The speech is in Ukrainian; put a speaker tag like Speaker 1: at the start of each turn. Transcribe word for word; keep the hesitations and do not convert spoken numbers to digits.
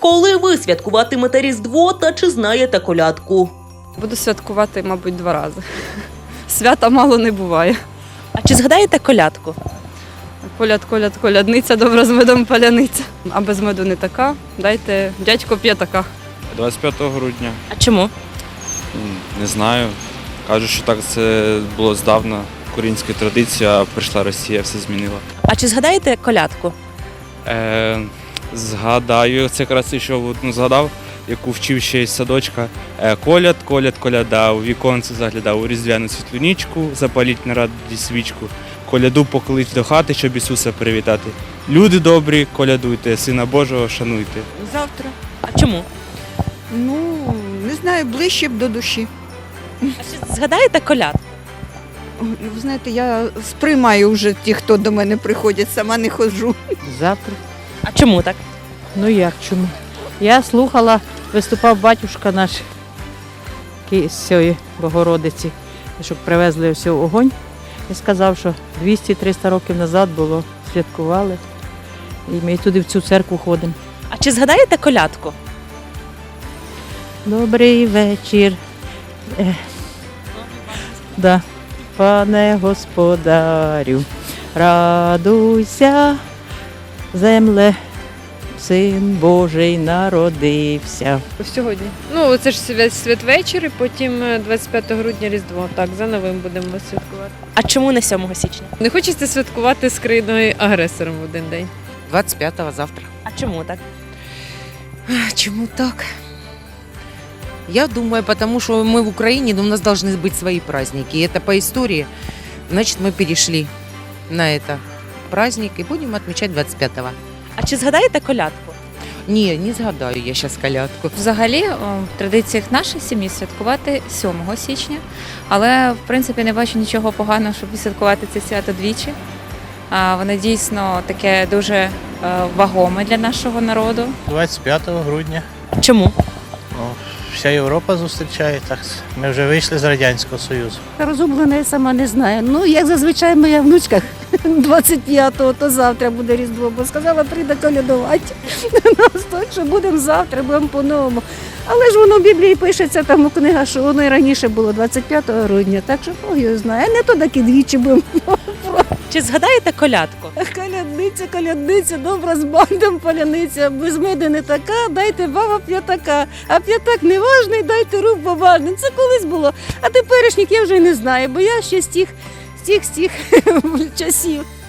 Speaker 1: Коли ви святкуватимете Різдво та чи знаєте колядку?
Speaker 2: Буду святкувати, мабуть, два рази. Свята мало не буває.
Speaker 1: А чи згадаєте колядку?
Speaker 2: Коляд, коляд, колядниця, добра з медом паляниця. А без меду не така. Дайте, дядько п'є така.
Speaker 3: двадцять п'ятого грудня.
Speaker 1: А чому?
Speaker 3: М, Не знаю. Кажуть, що так це було здавна. Українська традиція, а прийшла Росія, все змінила.
Speaker 1: А чи згадаєте колядку?
Speaker 3: Е, згадаю, це якраз ще одну згадав, яку вчив ще із садочка. Е, коляд, коляд, коляда, у віконце заглядав, у різдвяну світлу нічку, запаліть на раді свічку. Коляду поклич до хати, щоб Ісуса привітати. Люди добрі, колядуйте, Сина Божого шануйте.
Speaker 4: Завтра.
Speaker 1: А чому?
Speaker 4: Ну, не знаю, ближче б до душі.
Speaker 1: А чи згадаєте колядку?
Speaker 4: Ой, ви знаєте, я сприймаю вже ті, хто до мене приходять, сама не ходжу.
Speaker 5: Завтра.
Speaker 1: А чому так?
Speaker 5: Ну як чому? Я слухала, виступав батюшка наш ки- з цієї Богородиці, щоб привезли все огонь. І сказав, що двісті-триста років назад було, святкували. І ми туди в цю церкву ходимо.
Speaker 1: А чи згадаєте колядку?
Speaker 5: Добрий вечір. Е, да. Пане господарю, радуйся, земле, Син Божий народився.
Speaker 6: Сьогодні. Ну, це ж свят, святвечір, і потім двадцять п'ятого грудня Різдво. Так, за новим будемо святкувати.
Speaker 1: А чому не сьомого січня?
Speaker 6: Не хочеться святкувати з країною-агресором в один день.
Speaker 7: двадцать пятого завтра.
Speaker 1: А чому так?
Speaker 7: Чему так? Я думаю, потому что мы в Украине, но у нас должны быть свои праздники. И это по истории. Значит, мы перешли на это праздник и будем отмечать двадцать пятого.
Speaker 1: А чи згадаєте колядку?
Speaker 7: Не, не згадаю я сейчас колядку.
Speaker 8: Взагалі, о, в традиціях нашої сім'ї святкувати сьомого січня, але в принципі не бачу нічого поганого, щоб святкувати це свято двічі. А, воно дійсно таке дуже е, вагоме для нашого народу.
Speaker 9: двадцять п'ятого грудня.
Speaker 1: А чому?
Speaker 9: Ну, вся Європа зустрічає. Так, ми вже вийшли з Радянського Союзу.
Speaker 10: Розумлена, я сама не знаю. Ну, як зазвичай моя внучка двадцять п'ятого, то завтра буде Різдво, бо сказала, прийде колядувати нас, так що будемо завтра, будемо по-новому. Але ж воно в Біблії пишеться, там у книгах, що воно і раніше було двадцять п'ятого грудня, так що Бог його знає. А не то таки двічі будемо.
Speaker 1: Чи згадаєте колядку?
Speaker 10: Колядниця, колядниця, добра з бандом паляниця, без меди не така, дайте баба п'ятака, а п'ятак не важний, дайте рук бабальний. Це колись було, а теперішніх я вже й не знаю, бо я ще з тих, з тих, з тих часів.